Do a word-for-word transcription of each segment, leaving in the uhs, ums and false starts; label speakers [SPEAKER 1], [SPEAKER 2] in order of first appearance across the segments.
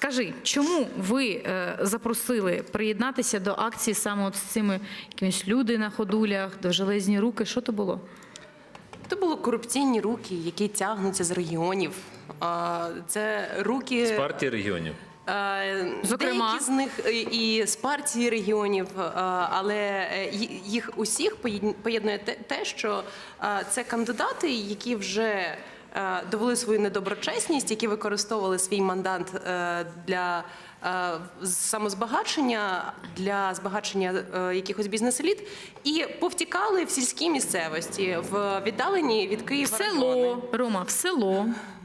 [SPEAKER 1] Скажи, чому ви е, запросили приєднатися до акції саме от з цими якимись люди на ходулях, довжелезні руки? Що то було?
[SPEAKER 2] Це були корупційні руки, які тягнуться з регіонів. А, Це руки...
[SPEAKER 3] З партії регіонів.
[SPEAKER 2] Е,
[SPEAKER 1] Зокрема?
[SPEAKER 2] Деякі з них і з партії регіонів, е, але їх усіх поєднує те, що е, це кандидати, які вже е, довели свою недоброчесність, які використовували свій мандат е, для е, самозбагачення, для збагачення е, якихось бізнес-еліт і повтікали в сільській місцевості, в віддалені від Києва
[SPEAKER 1] В село,
[SPEAKER 2] райони.
[SPEAKER 1] Рома, в село.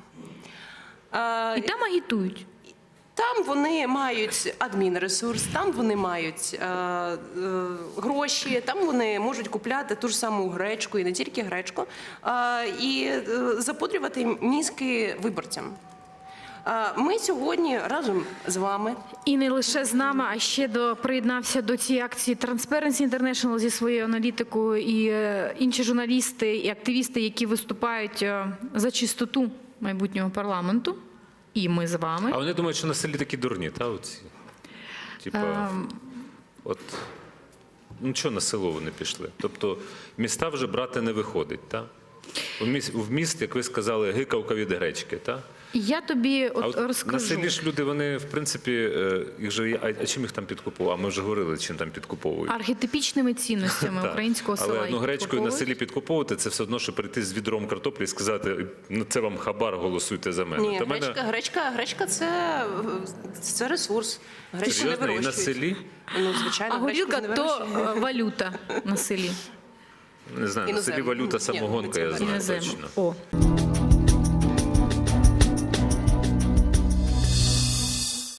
[SPEAKER 2] Е,
[SPEAKER 1] І там агітують.
[SPEAKER 2] Там вони мають адмінресурс, там вони мають е, е, гроші, там вони можуть купляти ту ж саму гречку, і не тільки гречку, е, і е, запудрювати мізки виборцям. Е, ми сьогодні разом з вами.
[SPEAKER 1] І не лише з нами, а ще до, приєднався до цієї акції Transparency International зі своєю аналітикою і е, інші журналісти і активісти, які виступають е, за чистоту майбутнього парламенту. І ми з вами.
[SPEAKER 3] А вони думають, що на селі такі дурні, та оці? Типа,
[SPEAKER 1] Ем.
[SPEAKER 3] от, ну чого на село вони пішли? Тобто міста вже брати не виходить, та? В міст, в міст, як ви сказали, гикавка від гречки, та?
[SPEAKER 1] Я тобі от,
[SPEAKER 3] А от
[SPEAKER 1] розкажу.
[SPEAKER 3] на селі ж люди, вони, в принципі, е, їх же, є- а, а чим їх там підкуповують? А ми вже говорили, чим там підкуповують.
[SPEAKER 1] Архетипічними цінностями
[SPEAKER 3] Так.
[SPEAKER 1] українського села.
[SPEAKER 3] Але ну,
[SPEAKER 1] їх
[SPEAKER 3] гречкою на
[SPEAKER 1] підкуповують.
[SPEAKER 3] селі підкуповувати, це все одно, що прийти з відром картоплі і сказати, ну це вам хабар, голосуйте за мене.
[SPEAKER 2] Ні,
[SPEAKER 3] Та
[SPEAKER 2] гречка,
[SPEAKER 3] мене...
[SPEAKER 2] гречка, гречка це, це ресурс. Гречку не
[SPEAKER 3] Серйозно? І на
[SPEAKER 2] вирощують.
[SPEAKER 3] селі?
[SPEAKER 2] Ну, звичайно,
[SPEAKER 1] А горілка
[SPEAKER 2] гречку не
[SPEAKER 1] то
[SPEAKER 2] вирощують.
[SPEAKER 1] е, валюта на селі.
[SPEAKER 3] Не знаю, на селі
[SPEAKER 2] Іноземна.
[SPEAKER 3] валюта
[SPEAKER 2] Ні,
[SPEAKER 3] самогонка,
[SPEAKER 2] ні,
[SPEAKER 3] я
[SPEAKER 2] це
[SPEAKER 3] знаю
[SPEAKER 1] Іноземна.
[SPEAKER 3] точно.
[SPEAKER 1] О.